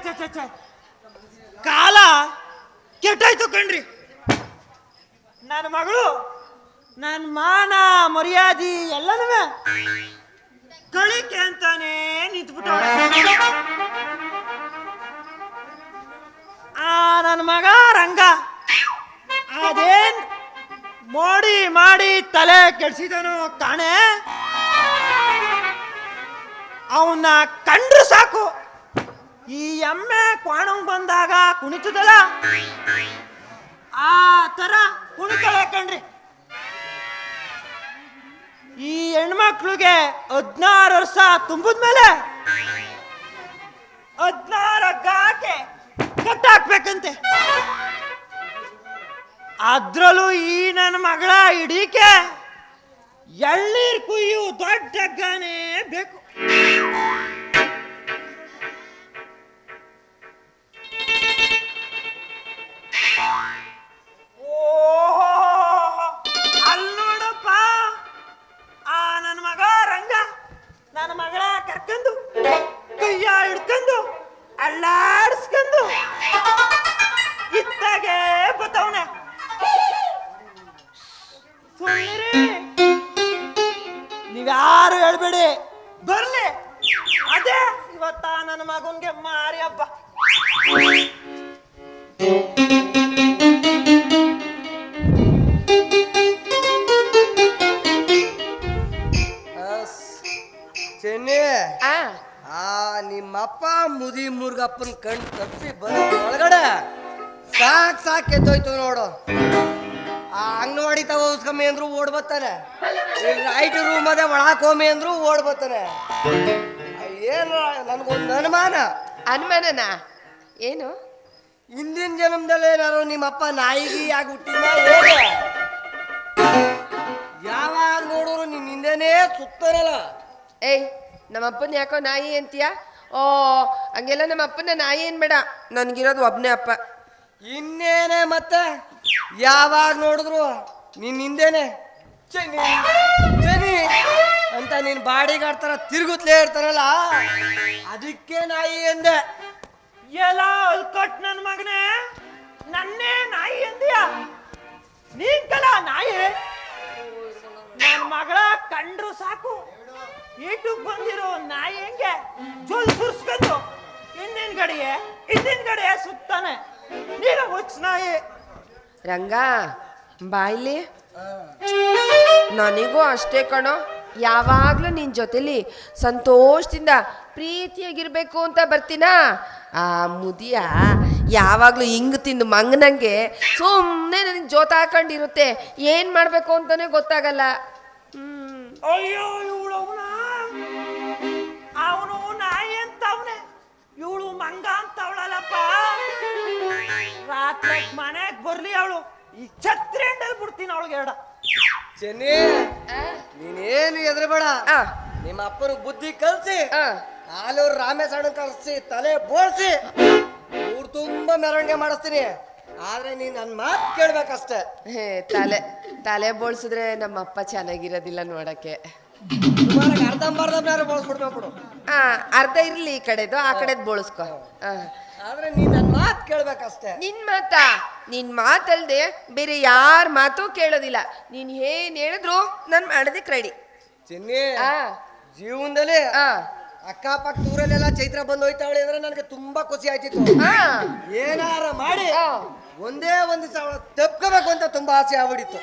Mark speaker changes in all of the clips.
Speaker 1: ಛ ಕಾಲ ಕೆಟ್ಟಾಯ್ತು ಕಣ್ರಿ. ನನ್ನ ಮಗಳು ನನ್ನ ಮಾನ ಮರ್ಯಾದಿ ಎಲ್ಲನೂ ಕಳಿಕೆ ಅಂತಾನೆ ನಿಂತ್ಬಿಟ್ಟ. ನನ್ನ ಮಗ ರಂಗ ಅದೇನ್ ಮೋಡಿ ಮಾಡಿ ತಲೆ ಕೆಡ್ಸಿದನು ಕಾಣೆ. ಅವನ್ನ ಕಂಡ್ರು ಸಾಕು, ಈ ಎಮ್ಮೆ ಕ್ವಾಣಂಗ್ ಬಂದಾಗ ಕುಣಿತದಲ್ಲ ಆ ತರ ಕುಣಿತಳೆ ಕಣ್ರಿ. ಈ ಹೆಣ್ಮಕ್ಳಿಗೆ 16 ವರ್ಷ ತುಂಬಿದ್ಮೇಲೆ 16 ಗಾಕೆ ಕಟ್ಟಾಕ್ಬೇಕಂತೆ. ಅದ್ರಲ್ಲೂ ಈ ನನ್ನ ಮಗಳ ಹಿಡೀಕೆ ಎಳ್ಳೀರ್ ಕುಯ್ಯು ದೊಡ್ಡ ಹಗ್ಗನೇ ಬೇಕು. ಅಲ್ಲಿ ನೋಡಪ್ಪ, ಆ ನನ್ನ ಮಗ ರಂಗ ನನ್ನ ಮಗಳ ಕರ್ಕೊಂಡು ಕೈಯ ಹಿಡ್ಕೊಂಡು ಅಳ್ಳಾಡ್ಸ್ಕೊಂಡು ಇತ್ತಾಗೆ ಬತ್ತವನೆ. ನೀವ್ಯಾರು ಹೇಳ್ಬೇಡಿ, ಬರ್ಲಿ. ಅದೇ ಇವತ್ತ ನನ್ನ ಮಗನ್ಗೆ ಮಾರಿ ಹಬ್ಬ.
Speaker 2: ಚೆನ್ನಿ, ನಿಮ್ಮಪ್ಪ ಮುದಿ ಮುರ್ಗಪ್ಪನ ಕಣ್ ತಪ್ಪಿ ಬರೋ ಒಳಗಡೆ ಸಾಕ್ ಎದ್ದೋಯ್ತು ನೋಡು. ಆ ಅಂಗನವಾಡಿ ತಗೋ ಉಸ್ಕಮ್ಮಿ ಅಂದ್ರು ಓಡ್ ಬರ್ತಾನೆ, ರೈಟ್ ರೂಮ್ ಅದೇ ಒಳಕ್ ಹೋಮಿ ಅಂದ್ರು ಓಡ್ ಬರ್ತಾನೆ. ಏನು ನನ್ಗೊಂದು
Speaker 3: ಅನುಮಾನನಾ? ಏನು?
Speaker 2: ಹಿಂದಿನ ಜನ್ಮದಲ್ಲಿ ಏನಾರು ನಿಮ್ಮಪ್ಪ ನಾಯಿಗಿ ಆಗಿ ಹುಟ್ಟಿನ ಹೇಗೆ? ಯಾವಾಗ ನೋಡಿದ್ರು ನಿನ್ ಹಿಂದೆನೇ ಸುತ್ತಾನಲ್ಲ.
Speaker 3: ಏಯ್, ನಮ್ಮಪ್ಪನ ಯಾಕೋ ನಾಯಿ ಅಂತೀಯ? ಓ ಹಂಗೆಲ್ಲ ನಮ್ಮ ಅಪ್ಪನ ನಾಯಿ ಏನ್ ಬೇಡ, ನನ್ಗಿರೋದು ಒಬ್ನೇ ಅಪ್ಪ.
Speaker 2: ಇನ್ನೇನೆ ಮತ್ತೆ ಯಾವಾಗ ನೋಡಿದ್ರು ನಿನ್ ಹಿಂದೆನೆ ಚನಿ ಅಂತ ನೀನ್ ಬಾಡಿಗಾಡ್ತಾರ ತಿರುಗುತ್ತಲೇ ಇರ್ತಾರಲ್ಲ, ಅದಕ್ಕೆ ನಾಯಿ ಎಂದೆ.
Speaker 1: ಎಲ್ಲ ಅಲ್ಕಟ್ ನನ್ ಮಗನೇ, ನನ್ನೇ ನಾಯಿ ಎಂದಿಯ? ನೀನ್ ಕಲ ನಾಯಿ. ನನ್ ಮಗಳ ಕಂಡ್ರು ಸಾಕು, ಈಟಕ್ ಬಂದಿರೋ ನಾಯಿ ಹೆಂಗೆ ಜೊಲ್ ಸುರ್ಸ್ಕೊಂಡು ಹಿಂದಿನ ಗಡಿಗೆ ಸುತ್ತಾನೆ. ನೀನು ಹುಚ್ಚ ನಾಯಿ.
Speaker 3: ರಂಗ ಬಾಯ್ಲಿ, ನನಗೂ ಅಷ್ಟೇ ಕಣೋ. ಯಾವಾಗ್ಲೂ ನಿನ್ ಜೊತೆಲಿ ಸಂತೋಷದಿಂದ ಪ್ರೀತಿಯಾಗಿರ್ಬೇಕು ಅಂತ ಬರ್ತೀನ. ಆ ಮುದಿಯ ಯಾವಾಗ್ಲೂ ಹಿಂಗ್ ತಿಂದು ಮಂಗನಂಗೆ ಸುಮ್ಮನೆ ನನಗೆ ಜೋತ ಹಾಕೊಂಡಿರುತ್ತೆ. ಏನ್ ಮಾಡ್ಬೇಕು ಅಂತಾನೆ ಗೊತ್ತಾಗಲ್ಲ.
Speaker 1: ಅಯ್ಯೋ, ಅವನು ನಾಯಿ ಅಂತ ಅವನೇ, ಇವಳು ಮಂಗ ಅಂತ ಅವಳಲ್ಲಪ್ಪ. ರಾತ್ರಿ ಮನೆಗ್ ಬರ್ಲಿ ಅವಳು, ಈ ಛತ್ರಿ ಅಂಡಲ್ಲಿ ಬಿಡ್ತೀನಿ ಅವಳಿಗೆ ಎರಡ.
Speaker 2: ಚೆನ್ನಿ, ನೀನೇನು ಎದ್ರಬೇಡ. ನಿಮ್ಮ ಅಪ್ಪನ ಬುದ್ಧಿ ಕಲ್ಸಿ, ಆಲೂರು ರಾಮೇಶಣ್ಣ ಕಲ್ಸಿ ತಲೆ ಬೋಳ್ಸಿ ಊರ್ ತುಂಬಾ ಮೆರವಣಿಗೆ ಮಾಡಿಸ್ತೀನಿ. ಆದ್ರೆ ನೀನ್ ನನ್ ಮಾತು ಕೇಳ್ಬೇಕಷ್ಟೇ.
Speaker 3: ತಲೆ ಬೋಳ್ಸಿದ್ರೆ ನಮ್ಮ ಅಪ್ಪ ಚೆನ್ನಾಗಿರೋದಿಲ್ಲ ನೋಡಕ್ಕೆ.
Speaker 2: ಅರ್ಧಂಬರ್ಧಂಬ ಬೋಳ್ಸ್ಬಿಡ್ಬೇಕು.
Speaker 3: ಅರ್ಧ ಇರ್ಲಿ, ಈ ಕಡೆದು ಆ ಕಡೆದ್ ಬೋಳ್ಸ್ಕೊ.
Speaker 2: ಆದ್ರೆ ನೀನ್ ನನ್ ಮಾತು ಕೇಳ್ಬೇಕಷ್ಟೇ.
Speaker 3: ನಿನ್ ಮಾತಲ್ದೆ ಬೇರೆ ಯಾರ ಮಾತು ಕೇಳೋದಿಲ್ಲ. ನೀನ್ ಏನ್ ಹೇಳಿದ್ರು ನನ್ ಮಾಡೋದಕ್ಕೆ ರೆಡಿ.
Speaker 2: ಚಿನ್ನಿ, ಜೀವನದಲ್ಲಿ ಅಕ್ಕಪಕ್ಕ ಊರಲ್ಲೆಲ್ಲ ಚೈತ್ರ ಬಂದು ಹೋಯ್ತಾವಳಿ ಅಂದ್ರೆ ನನಗೆ ತುಂಬಾ ಖುಷಿ ಆಯ್ತಿತ್ತು. ಏನಾರ ಮಾಡಿ ಒಂದೇ ಒಂದು ಸಾವಿರ ತಪ್ಕೋಬೇಕು ಅಂತ ತುಂಬಾ ಆಸೆ ಆಗ್ಬಿಡಿತ್ತು.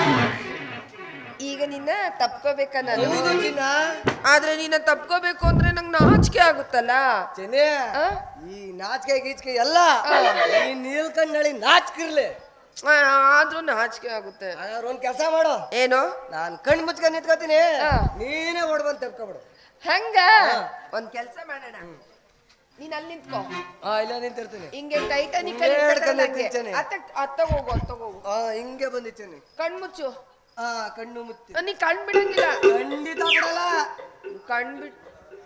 Speaker 3: ಈಗ ನಿನ್ನ ತಪ್ಕೋಬೇಕನ್ನ.
Speaker 2: ಆದ್ರೆ
Speaker 3: ನಿನ್ನ ತಪ್ಕೋಬೇಕು ಅಂದ್ರೆ ನಂಗೆ ನಾಚಿಕೆ ಆಗುತ್ತಲ್ಲ.
Speaker 2: ಚೆನ್ನಿ, ಈ ನಾಚಿಕೆ ಗೀಚಿಕೆ ಎಲ್ಲ ನೀಲ್ಕಂಡಿ ನಾಚಿಕಿರ್ಲಿ,
Speaker 3: ಆದ್ರೂ ನಾಚಿಕೆ ಆಗುತ್ತೆ.
Speaker 2: ಒಂದ್ ಕೆಲಸ ಮಾಡು.
Speaker 3: ಏನು?
Speaker 2: ನಾನ್ ಕಣ್ ಮುಚ್ಕೊಂಡ್ ನಿಂತ್ಕೋತೀನಿ, ನೀನೇ ಓಡ್ ಬಂದ್ ತಪ್ಕೊಬಿಡು.
Speaker 3: ಹಂಗ ಒಂದ್ ಕೆಲ್ಸ ಮಾಡೋಣ, ನೀನ್ ಅಲ್ಲಿ ನಿಂತ್ಕೋ.
Speaker 2: ಇಲ್ಲ ನಿಂತಿರ್ತೀನಿ.
Speaker 3: ಹಿಂಗೆ ಟೈಟಾನಿಕ್ ಅತ್ತಗೋಗು.
Speaker 2: ಹಿಂಗೆ ಬಂದಿತ್ತೇನೆ.
Speaker 3: ಕಣ್ಮುಚ್ಚು.
Speaker 2: ಕಣ್ಣು ಮುಚ್ಚಿ.
Speaker 3: ನೀ ಕಣ್ ಬಿಡಂಗಿಲ್ಲ.
Speaker 2: ಖಂಡಿತ ಬಿಡಲ್ಲ.
Speaker 3: ಕಣ್ಬಿಟ್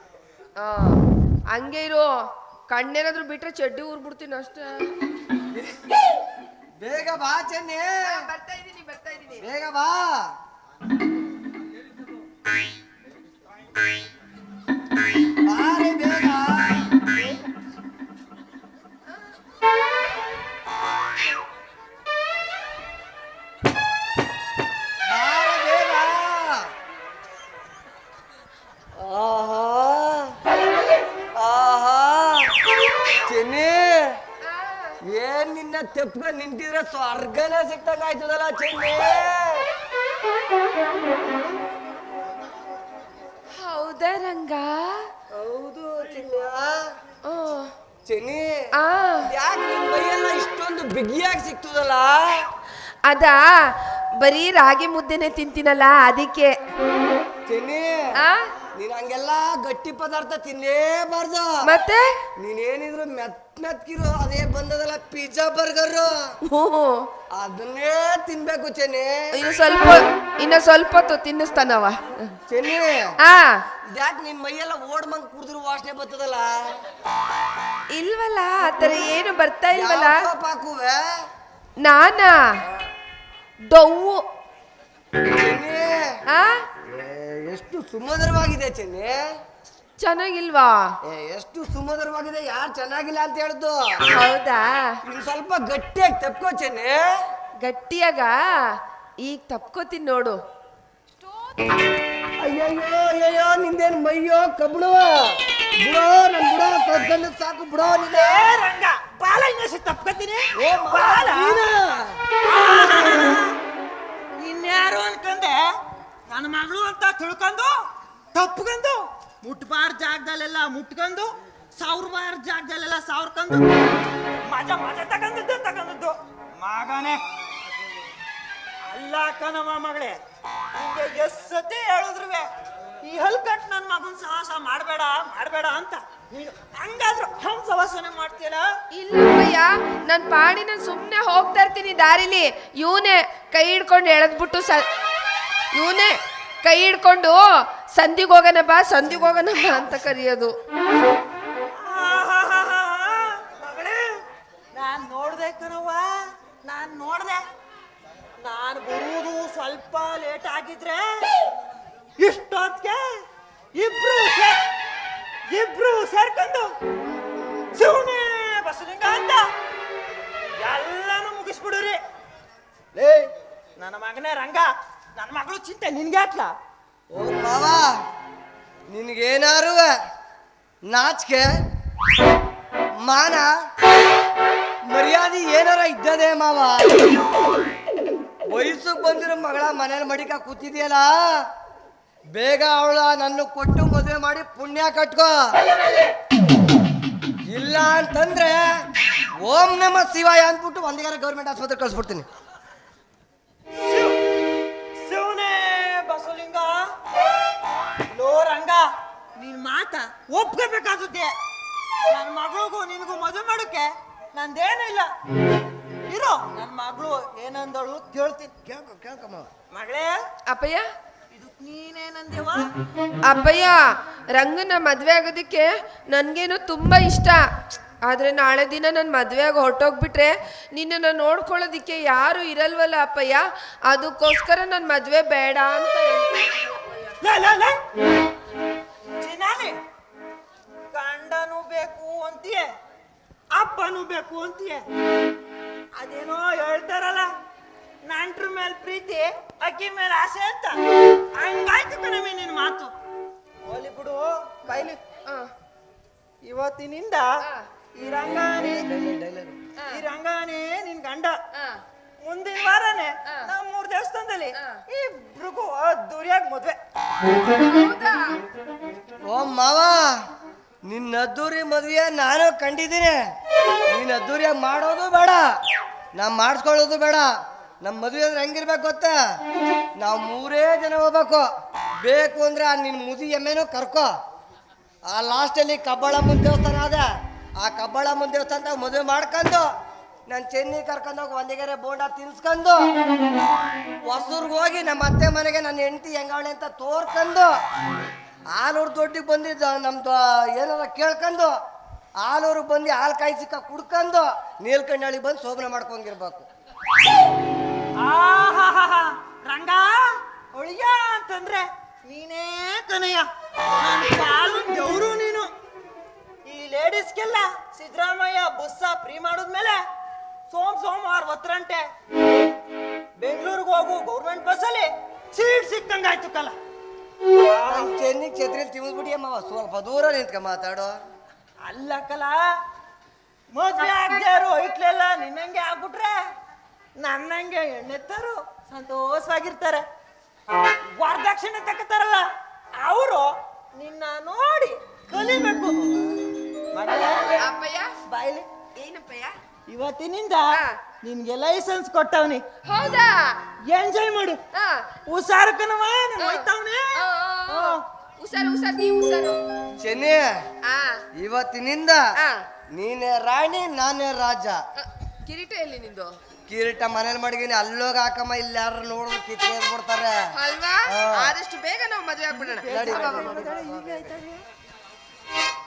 Speaker 3: ಹಂಗೆ ಇರು. ಕಣ್ಣೇನಾದ್ರು ಬಿಟ್ರೆ ಚಡ್ಡಿ ಊರ್ಬಿಡ್ತೀನಿ ಅಷ್ಟೇ.
Speaker 2: ಬೇಗ ಬಾ ಚೆನ್ನಿ.
Speaker 3: ಬರ್ತಾ ಇದೀನಿ.
Speaker 2: ಬೇಗ ಬಾ. ಬಾರಿ ಬೇಗ. ಚೆನ್ನಿ ಏನ್ ನಿನ್ನ ತೆಪ್ಪ ನಿಂತಿದ್ರೆ ಸ್ವರ್ಗನೇ ಸಿಕ್ತಂಗ ಆಯ್ತದಲ್ಲ ಚೆನ್ನಿ.
Speaker 3: ಹೌದಾ ರಂಗ?
Speaker 2: ಹೌದು ಚೆನ್ನಿ.
Speaker 3: ಓ
Speaker 2: ಚೆನ್ನಿ
Speaker 3: ಆ
Speaker 2: ಯಾಕೆ ನಿನ್ ಮೈಯೆಲ್ಲ ಇಷ್ಟೊಂದು ಬಿಗಿಯಾಗಿ ಸಿಕ್ತದಲ್ಲ?
Speaker 3: ಅದಾ ಬರೀ ರಾಗಿ ಮುದ್ದೆನೆ ತಿಂತೀನಲ್ಲ ಅದಕ್ಕೆ.
Speaker 2: ಚೆನ್ನಿ
Speaker 3: ಆ
Speaker 2: ನೀನ್ ಹಂಗೆಲ್ಲ ಗಟ್ಟಿ ಪದಾರ್ಥ ತಿನ್ಲೇಬಾರ್ದು.
Speaker 3: ಮತ್ತೆ
Speaker 2: ನೀನೇನಿದ್ರು ಮೆತ್ಕಿರು ಅದೇ ಬಂದದಲ್ಲ ಪಿಜ್ಜಾ ಬರ್ಗರ್, ಅದನ್ನೇ ತಿನ್ಬೇಕು ಚೆನ್ನಿ.
Speaker 3: ಇನ್ನು ಸ್ವಲ್ಪ ಹೊತ್ತು ತಿನ್ನಿಸ್ತಾನವ
Speaker 2: ಚೆನ್ನಿ.
Speaker 3: ಆ
Speaker 2: ಇದ್ಯಾಕೆ ನಿನ್ ಮೈಯೆಲ್ಲ ಓಡ್ಮಂಗ್ ಕುಡಿದ್ರು ವಾಸನೆ ಬರ್ತದಲ್ಲ?
Speaker 3: ಇಲ್ವಲ್ಲ ಆತರ ಏನು ಬರ್ತಾ ಇಲ್ವಲ್ಲ.
Speaker 2: ಪಾಕುವೆ
Speaker 3: ನಾನಾ ಡೊವ್ವು.
Speaker 2: ಚೆನ್ನಿ
Speaker 3: ಆ
Speaker 2: ಎಷ್ಟು ಸುಮಧುರವಾಗಿದೆ ಚೆನ್ನಿ.
Speaker 3: ಚೆನ್ನಾಗಿಲ್ವಾ?
Speaker 2: ಎಷ್ಟು ಸುಮಧುರವಾಗಿದೆ. ಯಾರು ಚೆನ್ನಾಗಿಲ್ಲ ಅಂತ ಹೇಳಿದ್ದು?
Speaker 3: ಹೌದಾ?
Speaker 2: ಇನ್ ಸ್ವಲ್ಪ ಗಟ್ಟಿಯಾಗಿ ತಪ್ಕೋ ಚೆನ್ನಿ.
Speaker 3: ಗಟ್ಟಿಯಾಗ ಈಗ ತಪ್ಕೋತೀನಿ ನೋಡು.
Speaker 2: ಅಯ್ಯಯ್ಯೋ ಅಯ್ಯಯ್ಯೋ ನಿಂದೇನ್ ಮೈಯೋ ಕಬ್ಬಳು ಬಿಡೋ. ನನ್ ಬಿಡೋ ಕದ್ಗಂಡು ಸಾಕು ಬಿಡೋ. ನಿನ್ನೆ
Speaker 1: ರಂಗ ಬಾಲ ಇನ್ನೊಸಿ ತಪ್ಕೊತೀನಿ. ಇನ್ಯಾರು ಅನ್ಕಂದೆ ನನ್ನ ಮಗಳು ಅಂತ ತಿಳ್ಕೊಂಡು ತಪ್ಕೊಂಡು ಮುಟ್ಬಾರ ಜಾಗದಲ್ಲೆಲ್ಲ ಮುಟ್ಕೊಂಡು ಸಾವಿರಬಾರ ಜಾಗದಲ್ಲೆಲ್ಲ ಸಾವಿರ್ಕೊಂಡು ಮಜಾ ತಗೊಂಡದ್ದು ಮಗನೇ ಅಲ್ಲ ಕಣವ ಮಗಳೇ. ನಿಂಗೆ ಎಷ್ಟ್ ಸತಿ ಹೇಳಿದ್ರುವೆ ಈ ಹಲ್ಕಟ್ ನನ್ನ ಮಗನ್ ಸಾಹಸ ಮಾಡಬೇಡ ಅಂತ. ನೀನು ಹಂಗಾದ್ರೂ ಹಂಗ್ ಸವಾಸನೆ ಮಾಡ್ತೀಯಲ್ಲ?
Speaker 3: ಇಲ್ಲಯ್ಯ ನನ್ ಪಾಡಿ ನಾನು ಸುಮ್ಮನೆ ಹೋಗ್ತಾ ಇರ್ತೀನಿ ದಾರಿಲಿ. ಇವನೇ ಕೈ ಹಿಡ್ಕೊಂಡು ಎಳೆದ್ಬಿಟ್ಟು ಇವನೇ ಕೈ ಹಿಡ್ಕೊಂಡು ಸಂಧಿಗೆ ಹೋಗೋಣ ಬಾ ಅಂತ ಕರೆಯೋದು.
Speaker 1: ಮಗಳೇ ನಾನ್ ನೋಡ್ದೆ ಕಣವ್ವ, ನಾನು ಬರುವುದು ಸ್ವಲ್ಪ ಲೇಟ್ ಆಗಿದ್ರೆ ಇಷ್ಟೊತ್ತಿಗೆ ಇಬ್ರು ಸೇರ್ಕೊಂಡು ಶಿವನೇ ಬಸಲಿಂಗ ಅಂತ ಎಲ್ಲಾನು ಮುಗಿಸ್ಬಿಡುರಿ. ನನ್ನ ಮಗನೇ ರಂಗ, ನನ್ನ ಮಗಳು ಚಿಂತೆ ನಿನ್ಗೆ ಹಾಕ್ಲ?
Speaker 2: ಓ ಮಾವ, ನಿನ್ಗೇನಾರು ನಾಚಿಕೆ ಮಾನ ಮರ್ಯಾದೆ ಏನಾರ ಇದ್ದದೆ ಮಾವ? ವಯಸ್ಸಿಗೆ ಬಂದಿರೋ ಮಗಳ ಮನೇಲಿ ಮಡಿಕ ಕೂತಿದ್ಯಲ್ಲ, ಬೇಗ ಅವಳ ನನ್ನ ಕೊಟ್ಟು ಮದುವೆ ಮಾಡಿ ಪುಣ್ಯ ಕಟ್ಕೋ. ಇಲ್ಲ ಅಂತಂದ್ರೆ ಓಂ ನಮ ಶಿವಾಯ ಅಂದ್ಬಿಟ್ಟು ಒಂದಿಗಾರ ಗೌರ್ಮೆಂಟ್ ಆಸ್ಪತ್ರೆ ಕಳ್ಸ್ಬಿಡ್ತೀನಿ.
Speaker 1: ಶಿವನೇ ಬಸಲಿಂಗ, ಲೋ ರಂಗ, ನೀನ್ ಮಾತ ಒಪ್ಕೋಬೇಕಾಗುತ್ತೆ. ನನ್ನ ಮಗಳಿಗೂ ನಿನಗೂ ಮದುವೆ ಮಾಡೋಕೆ ನಂದೇನು ಇಲ್ಲ. ಇರೋ ನನ್ನ ಮಗಳು ಏನಂದಳು ಕೇಳ್ತೀನಿ.
Speaker 2: ಕೇಳ್ಕಮ್ಮ
Speaker 1: ಮಗಳೇ.
Speaker 3: ಅಪ್ಪಯ್ಯ,
Speaker 1: ಇದಕ್ ನೀನೇನಂದೇವ?
Speaker 3: ಅಪ್ಪಯ್ಯ, ರಂಗನ ಮದ್ವೆ ಆಗೋದಕ್ಕೆ ನನ್ಗೇನು ತುಂಬಾ ಇಷ್ಟ. ಆದ್ರೆ ನಾಳೆ ದಿನ ನನ್ನ ಮದ್ವೆಯಾಗಿ ಹೊರಟೋಗ್ಬಿಟ್ರೆ ನಿನ್ನನ್ನು ನೋಡ್ಕೊಳ್ಳೋದಿಕ್ಕೆ ಯಾರು ಇರಲ್ವಲ್ಲ ಅಪ್ಪಯ್ಯ. ಅದಕ್ಕೋಸ್ಕರ ನನ್ನ ಮದ್ವೆ ಬೇಡ ಅಂತ
Speaker 1: ಚಿನ್ನಾನಿ, ಗಂಡನೂ ಬೇಕು ಅಂತೀಯ, ಅಪ್ಪನೂ ಬೇಕು ಅಂತೀಯ. ಅದೇನೋ ಹೇಳ್ತಾರಲ್ಲ, ನಂಟ್ರ ಮೇಲೆ ಪ್ರೀತಿ ಅಕ್ಕಿ ಮೇಲೆ ಆಸೆ ಅಂತ. ಹಂಗಾಯ್ತು ಕಣಮಿ ನಿನ್ ಮಾತು. ಹೋಲಿ ಬಿಡು ಕೈಲಿ. ಇವತ್ತಿನಿಂದ ಈ ರಂಗಾನೇ ನಿನ್ ಗಂಡ. ಮುಂದಿನ ವಾರನೇ ನಾವು 3 ದೇವಸ್ಥಾನದಲ್ಲಿ ಇಬ್ರಿಗೂ ಅದ್ದೂರಿಯಾಗಿ ಮದ್ವೆ.
Speaker 2: ಓ ಮಾವ, ನಿನ್ನ ಅದ್ದೂರಿ ಮದುವೆ ನಾನು ಕಂಡಿದ್ದೀನಿ. ನೀನ್ ಅದ್ದೂರಿಯಾಗಿ ಮಾಡೋದು ಬೇಡ, ನಾ ಮಾಡಿಸ್ಕೊಳ್ಳೋದು ಬೇಡ. ನಮ್ಮ ಮದುವೆ ಅಂದ್ರೆ ಹೆಂಗಿರ್ಬೇಕು ಗೊತ್ತಾ? ನಾವು 3 ಜನ ಹೋಗ್ಬೇಕು. ಬೇಕು ಅಂದ್ರೆ ನಿನ್ನ ಮುದಿ ಎಮ್ಮೆನೂ ಕರ್ಕೋ. ಆ ಲಾಸ್ಟಲ್ಲಿ ಕಬ್ಬಾಳಮ್ಮನ ದೇವಸ್ಥಾನ ಅದ, ಆ ಕಬ್ಬಾಳಮ್ಮನ ದೇವಸ್ಥಾನದಾಗ ಮದುವೆ ಮಾಡ್ಕೊಂಡು ನಾನು ಚೆನ್ನೈ ಕರ್ಕೊಂಡೋಗಿ ಒಂದಿಗೆರೆ ಬೋಂಡ ತಿನ್ಸ್ಕೊಂಡು ಹೊಸೂರ್ಗೆ ಹೋಗಿ ನಮ್ಮ ಅತ್ತೆ ಮನೆಗೆ ನನ್ನ ಹೆಂಡತಿ ಹೆಂಗವಳೆ ಅಂತ ತೋರ್ಕೊಂಡು ಆಲೂರು ದೊಡ್ಡಿಗೆ ಬಂದಿದ್ದ ನಮ್ದು ಏನಾರ ಕೇಳ್ಕೊಂಡು ಆಲೂರಿಗೆ ಬಂದು ಹಾಲು ಕಾಯಿ ಸಿಕ್ಕ ಕುಡ್ಕೊಂಡು ನೀಲ್ಕಂಡಳ್ಳಿ ಬಂದು ಶೋಭನೆ ಮಾಡ್ಕೊಂಗಿರ್ಬೇಕು.
Speaker 1: ರಂಗ ಒಳಿಯ ಅಂತಂದ್ರೆ ನೀನೇ ಕನಯ್ಯ, ಕಾಲು ದೇವ್ರು ನೀನು. ಈ ಲೇಡೀಸ್ಗೆಲ್ಲ ಸಿದ್ದರಾಮಯ್ಯ ಬುಸ್ಸ ಫ್ರೀ ಮಾಡಿದ್ಮೇಲೆ ಸೋಮವಾರ 10 ಗಂಟೆ ಬೆಂಗಳೂರಿಗೆ ಹೋಗು ಗೌರ್ಮೆಂಟ್ ಬಸ್ಸಲ್ಲಿ ಸೀಟ್ ಸಿಕ್ಕಂಗಾಯ್ತು ಕಲ.
Speaker 2: ಚೆನ್ನಿಗೆ ಛತ್ರಿಯಲ್ಲಿ ತಿಂದ್ಬಿಡಿ ಅಮ್ಮ, ಸ್ವಲ್ಪ ದೂರ ನಿಂತ್ಕ ಮಾತಾಡೋ.
Speaker 1: ಅಲ್ಲ ಕಲ, ಮದ್ವೆ ಆಗ್ಯಾರು ಇಟ್ಲೆಲ್ಲ ನಿನ್ನಂಗೆ ಆಗ್ಬಿಟ್ರೆ ನನ್ನಂಗೆ ಎಣ್ಣೆತ್ತರು ಸಂತೋಷವಾಗಿರ್ತಾರೆ. ವರದಕ್ಷಿಣೆ ತಕ್ಕತಾರಲ್ಲ ಅವರು ನಿನ್ನ ನೋಡಿ ಕಲಿಬೇಕು.
Speaker 3: ಅಪ್ಪಯ್ಯ
Speaker 1: ಬಾಯ್ಲಿ
Speaker 3: ಏನಪ್ಪಯ್ಯ?
Speaker 1: ಇವತ್ತಿನಿಂದ
Speaker 3: ಹಾ.
Speaker 1: ನಿನ್ಗೆ ಲೈಸೆನ್ಸ್ ಕೊಟ್ಟವ್ನಿ,
Speaker 3: ಹೌದಾ?
Speaker 1: ಎಂಜಾಯ್ ಮಾಡು.
Speaker 3: ಹಾ.
Speaker 1: ಹುಷಾರು ಕಣವ, ನಾನು ಹೋಯ್ತವ್ನೆ.
Speaker 3: ಹುಷಾರು ಹುಷಾರು, ನೀವು ಹುಷಾರು.
Speaker 2: ಚೆನ್ನಿ,
Speaker 3: ಆ
Speaker 2: ಇವತ್ತಿನಿಂದ
Speaker 3: ಆ,
Speaker 2: ನೀನೇ ರಾಣಿ ನಾನೇ ರಾಜ.
Speaker 3: ಕಿರೀಟ ಎಲ್ಲಿ ನಿಂದು?
Speaker 2: ಕಿರೀಟ ಮನೇಲಿ ಮಡಗಿನಿ, ಅಲ್ಲೋಗ ಹಾಕಮ್ಮ, ಇಲ್ಲಿ ಯಾರು ನೋಡಿದ್ರು ಕಿತ್ಕೊಂಡ್ಬಿಡ್ತಾರೆ.
Speaker 3: ಅಲ್ವಾ? ಆದಷ್ಟು ಬೇಗ ನಾವು ಮದುವೆ ಆಗ್ಬಿಡೋಣ.
Speaker 2: ನಡಿ.
Speaker 1: ಈಗ ಆಯ್ತಾ